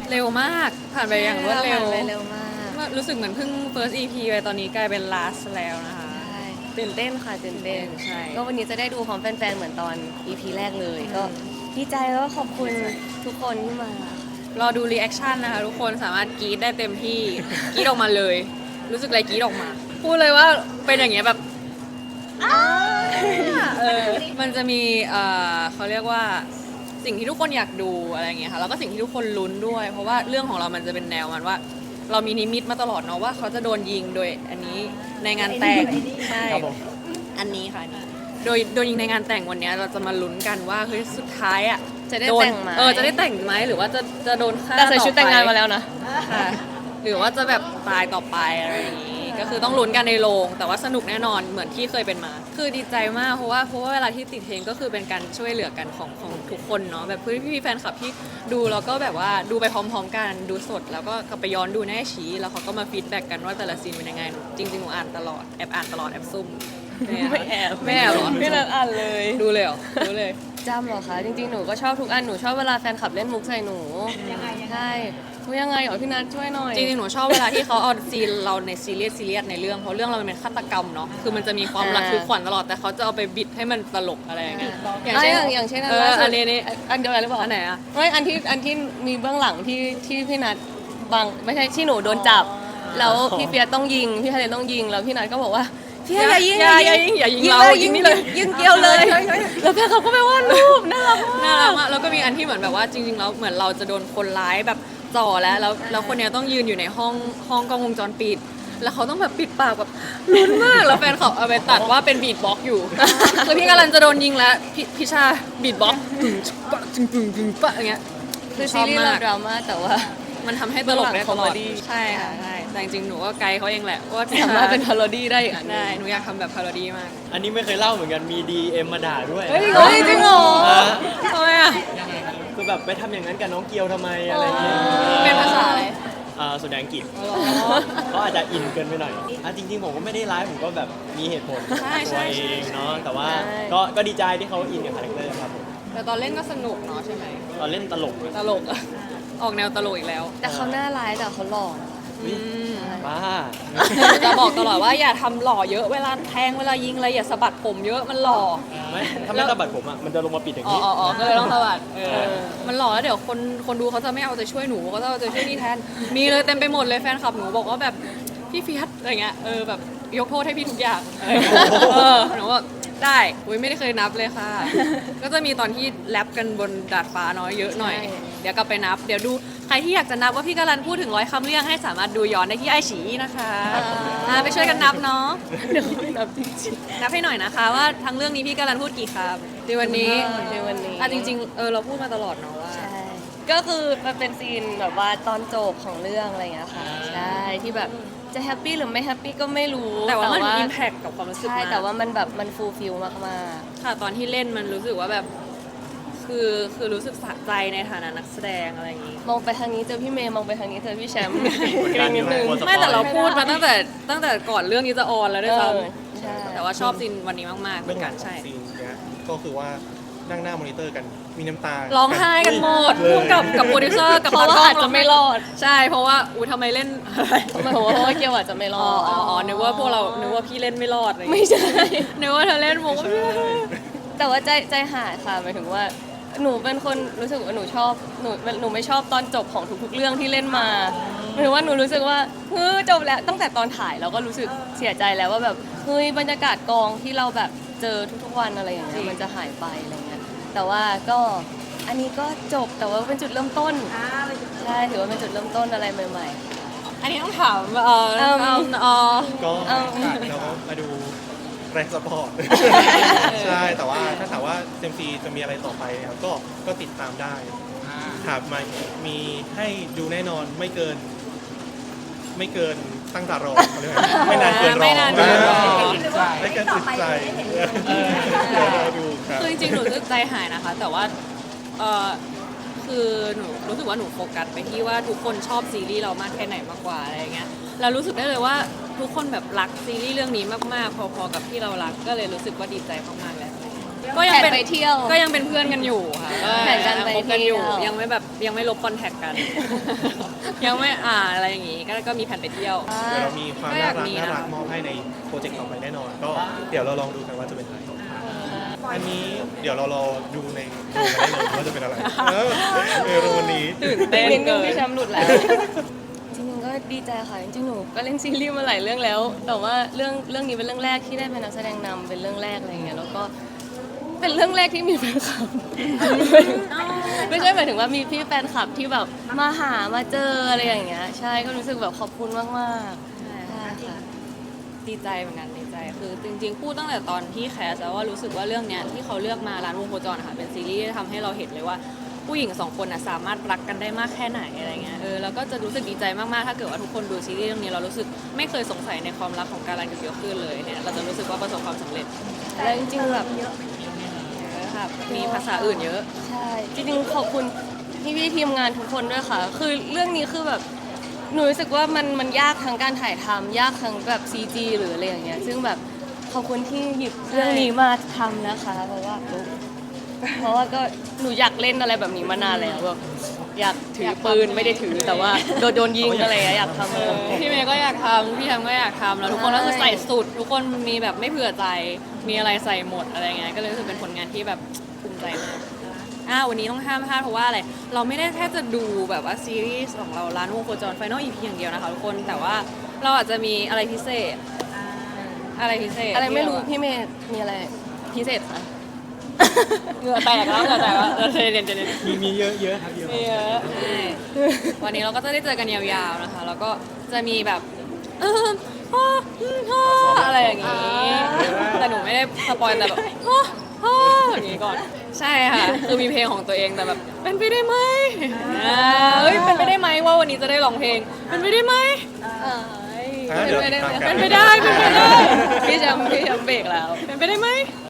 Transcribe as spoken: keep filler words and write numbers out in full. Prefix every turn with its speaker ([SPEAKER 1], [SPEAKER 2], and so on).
[SPEAKER 1] เร็วมากผ่านไปอย่างรวดเร็ว
[SPEAKER 2] ผ่านไปเร็วมาก
[SPEAKER 1] รู้สึกเหมือนเพิ่ง first อี พี ไปตอนนี้กลายเป็น last แล้วนะคะ
[SPEAKER 2] ใช่ตื่นเต้นค่ะตื่นเต้น
[SPEAKER 1] ใช่
[SPEAKER 2] ก็วันนี้จะได้ดูพร้อมแฟนๆเหมือนตอน อี พี แรกเลย ก็ดีใจแล้วก็ขอบคุณทุกคนที่มาค่ะ
[SPEAKER 1] รอดู reaction นะคะทุกคนสามารถกรี๊ดได้เต็มที่ กรี๊ดออกมาเลย รู้สึกอะไรกรี๊ดออกมา พูดเลยว่าเป็นอย่างเงี้ยแบบเออมันจะมีเอ่อเขาเรียกว่าสิ่งที่ทุกคนอยากดูอะไรอย่างเงี้ยค่ะแล้วก็สิ่งที่ทุกคนลุ้นด้วย เพราะว่าเรื่องของเรามันจะเป็นแนวมันว่า เรามีนิมิตมาตลอดเนาะว่าเขาจะโดนยิงโดยอันนี้ในงานแต่งใช่
[SPEAKER 3] ครับผม
[SPEAKER 1] อันนี้ค่ะอันนี้โดยโดยยิงในงานแต่งวันเนี้ยเราจะมาลุ้นกันว่าเฮ้ยสุดท้ายอ่ะ
[SPEAKER 2] จะได้
[SPEAKER 1] โน
[SPEAKER 2] แต่งไหม
[SPEAKER 1] เออจะได้แต่งไหมหรือว่าจะจะโดนฆ่า
[SPEAKER 2] แต่ใส่ชุดแต่งงาน
[SPEAKER 1] ต่อไป
[SPEAKER 2] มาแล้วนะ
[SPEAKER 1] ค่ะหรือว่าจะแบบตายต่อไปอะไรอย่างนี้ ก็คือต้องลุ้นกันในโรงแต่ว่าสนุกแน่นอนเหมือนที่เคยเป็นมา คือดีใจมากเพราะว่าเพราะว่าเวลาที่ติดเพลงก็คือเป็นการช่วยเหลือกันของของทุกคนเนาะแบบเพื่อนพี่ๆแฟนคลับที่ดูแล้วก็แบบว่าดูไปพร้อมๆกันดูสดแล้วก็กลับไปย้อนดูแน่ชี้แล้วเขาก็มาฟีดแบ็กกันว่าแต่ละซีนเป็นยังไงหนูจริงๆหนูอ่านตลอดแอบอ่านตลอดแอบซุ่ม
[SPEAKER 2] ไม่แอบ
[SPEAKER 1] ไม่แอบเหรอ
[SPEAKER 2] ไม่นัดอ่านเลย
[SPEAKER 1] ดูเลยเหรอดูเลย
[SPEAKER 2] จำเหรอคะ จริงๆ หนูก็ชอบทุกอัน หนูชอบเวลาแฟนคลับเล่นมุกใส่หนู
[SPEAKER 4] ยังไงยังไง
[SPEAKER 2] ใช่มุกยังไงเหรอพี่นัทช่วยหน่อย
[SPEAKER 1] จริงๆ หนูชอบเวลาที่เขาเอาซีนเราในซีเรียสซีเรียสในเรื่องเพราะเรื่องเรามันเป็นฆาตกรรมเนาะคือมันจะมีความระทึกขวัญตลอดแต่เขาจะเอาไปบิดให้มันตลกอะไรอย่างเงี้ย
[SPEAKER 2] อ่ะอย่างอย่างเช่นอัน
[SPEAKER 1] เออ
[SPEAKER 2] ล่าสุด
[SPEAKER 1] อันนี้นี่
[SPEAKER 2] อันเดียวกันหรือเปล่า
[SPEAKER 1] อันไหนอะ
[SPEAKER 2] ไม่อันที่อันที่มีเบื้องหลังที่ที่พี่นัทบังไม่ใช่ที่หนูโดนจับ แล้วพี่เฟียสต้องยิงพี่ทะเลต้องยิงแล้วพี่นัทก็บอกว่าพี่อย่ายิง
[SPEAKER 1] อย่าอย่ายิงอย่ายิงเรา
[SPEAKER 2] เลย
[SPEAKER 1] ยิงนี่เลย
[SPEAKER 2] ยิงเกลียวเลยแล้วแฟนเขาก็ไปวาดรูปน่ารัก
[SPEAKER 1] น่าม
[SPEAKER 2] าก
[SPEAKER 1] รักมากแล้วก็มีอันที่เหมือนแบบว่าจริงๆแล้วเหมือนเราจะโดนคนร้ายแบบจ่อแล้วแล้วแล้วคนเนี้ยต้องยืนอยู่ในห้องห้องกล้องวงจรปิด แล้วเขาต้องแบบปิดปากแบบลุ้นมากแล้วแฟนเขาเอาไปตัดว่าเป็นบีทบ็อกซ์อยู่ คือพี่กำลังจะโดนยิงแล้วพี่พี่ชาบีทบ็อกซ์ตึงปะตึงตึงตึงปะอย่างเงี้ย
[SPEAKER 2] คือซีรีส์เราดราม่าแต่ว่า
[SPEAKER 1] มันทำให้ตลกได้ตลอด
[SPEAKER 2] เบื้องหลัง comedy
[SPEAKER 1] ใช่ค่ะใช่แต่จริงๆหนูก็ไกด์เขาเองแหละว่าพี่
[SPEAKER 2] สา
[SPEAKER 1] ชาม
[SPEAKER 2] ารถเป็นพาโรดี้ได้อีกอันหนึ่ง
[SPEAKER 1] ได้หนูอยากทำแบบพาโรดี้มาก
[SPEAKER 3] อันนี้ไม่เคยเล่าเหมือนกันมี ดี เอ็ม มาด่าด้วย
[SPEAKER 2] เฮ้ยเฮ้ยจริงเหรอ
[SPEAKER 3] อ่ะ
[SPEAKER 1] ทำไมอ่ะ
[SPEAKER 3] คือแบบไปทำอย่างนั้นกับน้องเกียวทำไมอะไรเงี้ย
[SPEAKER 1] เป็นภาษาอะไร
[SPEAKER 3] อ่าส่วนใหญ่อังกฤษเขาอาจจะอินเกินไปหน่อยอ่ะจริงๆผมก็ไม่ได้ร้ายผมก็แบบมีเหตุผล
[SPEAKER 1] ใช่
[SPEAKER 3] ตั
[SPEAKER 1] ใช่
[SPEAKER 3] วเอ
[SPEAKER 1] ใช่
[SPEAKER 3] งเนาะแต่ว่า
[SPEAKER 2] ใช่
[SPEAKER 3] ก็ก็ดีใจที่เขาอินกับคาแรคเตอร์ครับผม
[SPEAKER 1] แต่ตอนเล่นก็สนุกเนาะใช่ไหม
[SPEAKER 3] ตอนเล่นตลก
[SPEAKER 1] ตลกอะออกแนวตลกอีกแล้ว
[SPEAKER 2] แต่เขาหน้าร้ายแต่เขาหล่อนะคะ
[SPEAKER 1] อืม
[SPEAKER 3] บ้า
[SPEAKER 1] จะบอกตลอดว่าอย่าทำหล่อเยอะเวลาแทงเวลายิงอะไรอย่าสะบัดผมเยอะมันหล่อ
[SPEAKER 3] ไม่ถ้าไม่สะบัดผมอ่ะมันจะลงมาปิดอย่าง
[SPEAKER 1] อ๋อ
[SPEAKER 3] นี้
[SPEAKER 1] อ๋ออ๋อก็เลยต้องสะบัดเอ
[SPEAKER 3] เอ
[SPEAKER 1] อ
[SPEAKER 3] อ
[SPEAKER 1] มันหล่อแล้วเดี๋ยวคนคนดูเขาจะไม่เอาใจช่วยหนูเขาจะเอาใจช่วยนี่แทน มีเลยเต็มไปหมดเลยแฟนคลับหนูบอกว่าแบบพี่เฟียสอะไรเงี้ยเออแบบยกโทษให้พี่ทุกอย่างอะไรเงี้ยเออหนูว่าได้อุ้ยไม่ได้เคยนับเลยค่ะ ก็จะมีตอนที่แรปกันบนดาดฟ้าเนาะเยอะหน่อย เดี๋ยวกลับไปนับ เดี๋ยวดูใครที่อยากจะนับว่าพี่กาลันพูดถึงร้อยคำเรื่องให้สามารถดูย้อนได้ที่ไอฉีนะคะอ่าไปช่วยกันนับเนาะ
[SPEAKER 2] เดี๋ยวนับจริง
[SPEAKER 1] นับให้หน่อยนะคะว่าทั้งเรื่องนี้พี่กาลันพูดกี่คำในวันนี้
[SPEAKER 2] ๆในวันนี้
[SPEAKER 1] อ่ะจริงๆเออเราพูดมาตลอดเนาะว่า
[SPEAKER 2] ใช่ ก็คือมันเป็นซีนแบบว่าตอนจบของเรื่องอะไรอย่างเงี้ยค่ะ ใช่ ที่แบบจะแฮปปี้หรือไม่แฮปปี้ก็ไม่รู้
[SPEAKER 1] แต่ว่ามันอิมแพคกับความรู้สึก
[SPEAKER 2] ใช่
[SPEAKER 1] มาก
[SPEAKER 2] แต่ว่ามันแบบมันฟูลฟิลมาก
[SPEAKER 1] ค่ะตอนที่เล่นมันรู้สึกว่าแบบ คือคือรู้สึกสะใจในฐานะนักแสดงอะไรอย่างงี้
[SPEAKER 2] ๆ มองไปทางนี้เจอพี่เมย์ มองไปทางนี้เจอพี่แชมป์
[SPEAKER 3] กดดัน
[SPEAKER 2] นิดนึง
[SPEAKER 3] กลัวสปอย
[SPEAKER 1] ไม่แต่เราพูดมาตั้งแต่ตั้งแต่ก่อนเรื่องนี้จะออนแล้วด้วยซ้
[SPEAKER 2] เออใช่
[SPEAKER 1] ำแต่ว่าชอบซีนวันนี้มากๆเหมื
[SPEAKER 5] เบื้
[SPEAKER 1] อ
[SPEAKER 5] อง
[SPEAKER 1] น
[SPEAKER 5] ห
[SPEAKER 1] กั
[SPEAKER 5] ลั
[SPEAKER 1] น
[SPEAKER 5] งขอ
[SPEAKER 1] ใช่
[SPEAKER 5] งซีนเนี้ยก็คือว่านั่งหน้ามอนิเตอร์กันมีน้ำตา
[SPEAKER 1] ร้องไห้กันหมด
[SPEAKER 5] เลย
[SPEAKER 1] ร่วมกับกับโปรดิวเซอร์กับ
[SPEAKER 2] เพราะว่า
[SPEAKER 1] ตกล้ง
[SPEAKER 2] อาจจะไม่รอด
[SPEAKER 1] ใช่เพราะว่าอุ้ยทำไมเล่น อะไร
[SPEAKER 2] หมายความว่าเพราะว่าเกียวอาจจะไม่ร
[SPEAKER 1] อ๋
[SPEAKER 2] อ
[SPEAKER 1] อ
[SPEAKER 2] ด
[SPEAKER 1] อ๋ออ๋อนึกว่าพวกเรานึกว่าพี่เล่นไม่รอดอะไรอย่าง
[SPEAKER 2] ไม่
[SPEAKER 1] เงี้ย
[SPEAKER 2] ใช่
[SPEAKER 1] นึกว่าเธอเล่นมุก
[SPEAKER 2] แต่ว่าใจใจหายค่ะหมายถึงว่า หนูเป็นคนรู้สึกว่าหนูชอบหนูหนูไม่ชอบตอนจบของทุกๆเรื่องที่เล่นมาหมายถึงว่าหนูรู้สึกว่าเฮ้ยจบแล้วตั้งแต่ตอนถ่ายเราก็รู้สึกเสียใจแล้วว่าแบบเฮ้ยบรรยากาศกองที่เราแบบเจอทุกๆวันอะไรอย่างเงี้ยมันจะหายไปอะไรเงี้ยแต่ว่าก็อันนี้ก็จบแต่ว่าเป็นจุดเริ่มต้น
[SPEAKER 4] อ่าไปดู
[SPEAKER 2] ใช่ถือว่าเป็นจุดเริ่มต้นอะไรใหม่
[SPEAKER 1] อันนี้ต้องถามเออ
[SPEAKER 2] เอิ่ม
[SPEAKER 1] เอิ่มเออ
[SPEAKER 5] ก็
[SPEAKER 2] เอา
[SPEAKER 5] ค่ะเราก็มาดูแรงสปอร์ต ใช่แต่ว่าถ้าถามว่าเซมซีจะมีอะไรต่อไปเนี่ยก็ก็ติดตามได้ครับมามีให้ดูแน่นอนไม่เกิน ไม่เกินตั้งตารอเขาเรียกว่าไม่นานเกินรอ
[SPEAKER 1] ไม่นานเกินรอ
[SPEAKER 5] ไม่เกินติดใจเดี๋ยวเราดูครับ
[SPEAKER 1] คือจริงๆ หนูรู้สึกใจหายนะคะ แต่ว่าเออคือหนูรู้สึกว่าหนูโฟกัสไปที่ว่าทุกคนชอบซีรีส์เรามากแค่ไหนมากกว่าอะไรอย่างเงี้ยเรารู้สึกได้เลยว่าทุกคนแบบรักซีรีส์เรื่องนี้มากๆ พอๆ กับที่เรารักก็เลยรู้สึกว่าดีใจมากๆแล้วก็ยั
[SPEAKER 2] แผ
[SPEAKER 1] ง
[SPEAKER 2] น
[SPEAKER 1] เป็น
[SPEAKER 2] ไปเที่ยว
[SPEAKER 1] ก็ยังเป็นเพื่อนกันอยู่ค่ะ
[SPEAKER 2] แผนการไป
[SPEAKER 1] คบกันอยู่
[SPEAKER 2] เที่ยว
[SPEAKER 1] ยังไม่แบบยังไม่ลบคอนแทคกัน ยังไม่อ่าอะไรอย่างงี้ก็ก็มีแผนไปเที่ยว
[SPEAKER 2] อ่า
[SPEAKER 5] เดี๋ยวเรามีความ
[SPEAKER 1] ก็อาก
[SPEAKER 5] น่ายรัก
[SPEAKER 1] มี
[SPEAKER 5] น่ารัก
[SPEAKER 1] นะ
[SPEAKER 5] มอบให้ในโปรเจกต์ต่อไปแน่นอน ก็เดี๋ยวเราลองดูกันว่าจะเป็นอะไรอันนี้เดี๋ยวเรารอดูในดูกันได้เลยว่าจะเป็นอะไรเออเออวันนี้
[SPEAKER 1] ตื่นเต้น
[SPEAKER 2] นิดนึ
[SPEAKER 1] เกิ
[SPEAKER 2] ง
[SPEAKER 1] น
[SPEAKER 2] พี่แชมป์หลุดแล้ว จริงๆก็ดีใจค่ะ จริงๆหนูก็เล่นซีรีส์มาหลายเรื่องแล้ว แต่ว่าเรื่องเรื่องนี้เป็นเรื่องแรกที่ได้เป็นนักแสดงนำเป็นเรื่องแรกอะไรอย่างเงี้ย แล้วก็เป็นเรื่องแรกที่มีแฟนคลับ ไม่ใช่หมายถึงว่ามีพี่แฟนคลับที่แบบมาหามาเจออะไรอย่างเงี้ย ใช่ ก็รู้สึกแบบขอบคุณมากๆ
[SPEAKER 1] ใช่
[SPEAKER 2] ใช่ค่ะ
[SPEAKER 1] ดีใจเหมือนกันดีใจคือจริงๆพูดตั้งแต่ตอนที่แคสแล้วว่ารู้สึกว่าเรื่องเนี้ยที่เขาเลือกมาร้านวงโคจรนะคะเป็นซีรีส์ที่ทำให้เราเห็นเลยว่าผู้หญิงสองคนน่ะสามารถรักกันได้มากแค่ไหนอะไรเงี้ยเออแล้วก็จะรู้สึกดีใจมากๆถ้าเกิดว่าทุกคนดูซีรีส์เรื่องนี้เรารู้สึกไม่เคยสงสัยในความรักของการันกับเกียวขึ้นเลยเนี่ยเราจะรู้สึกว่าประสบความสำเร็จ
[SPEAKER 2] แล้วจริงๆแบบ
[SPEAKER 1] เยอะค่ะมีภาษาอื่นเยอะ
[SPEAKER 2] ใช่ จริงๆขอบคุณพี่พี่ๆทีมงานทุกคนด้วยค่ะ คือเรื่องนี้คือแบบหนูรู้สึกว่ามันมันยากทั้งการถ่ายทำยากทั้งแบบ ซี จี หรืออะไรอย่างเงี้ย ซึ่งแบบขอบคุณที่หยิบเรื่องนี้มาทำนะคะ เพราะว่าเพราะว่าก็หนูอยากเล่นอะไรแบบนี้มานานแล้วแบบอยากถือปืนไม่ได้ถือแต่ว่าโดนโดนยิงอะไรอย่างเงี้ยอยากทำ
[SPEAKER 1] เออพี่เมย์ก็อยากทำพี่แฮมก็อยากทำแล้วทุกคนก็คือใส่สุด ทุกคนมีแบบไม่เผื่อใจ มีอะไรใส่หมดอะไรเงี้ยก็เลยรู้สึกเป็นผลงานที่แบบภูมิใจมากอ่าวันนี้ต้องห้ามพลาดเพราะว่าอะไรเราไม่ได้แค่จะดูแบบว่าซีรีส์ของเราร้านวงโคจรไฟนอลอีพีอย่างเดียวนะคะทุกคนแต่ว่าเราอาจจะมีอะไรพิเศษอะไรพิเศษ
[SPEAKER 2] อะไรไม่รู้พี่เมย์มีอะไรพิเศษคะ
[SPEAKER 1] เหงื่อแตกแล้วเหงื่อแตกแล้วเออเรียนจะเรียน
[SPEAKER 3] มีมีเยอะเยอะครับเยอะ
[SPEAKER 1] เยอะใช่วันนี้เราก็จะได้เจอกันยาวๆนะคะ แล้วก็จะมีแบบเออพ่ออืมพ่ออะไรอย่างงี้ แต่หนูไม่ได้สปอยแต่แบบพ่อพ่ออย่างงี้ก่อน ใช่ค่ะ คือมีเพลงของตัวเองแต่แบบเป็นไปได้ไหมอ่าเฮ้ยเป็นไปได้ไหมว่าวันนี้จะได้ร้องเพลง เป็นไปได้ไหม
[SPEAKER 2] เอ้ย
[SPEAKER 5] อ่ะเดี๋ยวติดตามกัน
[SPEAKER 1] เป็นไปได้เป็นไปได้
[SPEAKER 2] พี่แชมป์พี่แชมป์เบรกแล้ว
[SPEAKER 1] เป็นไปได้ไหม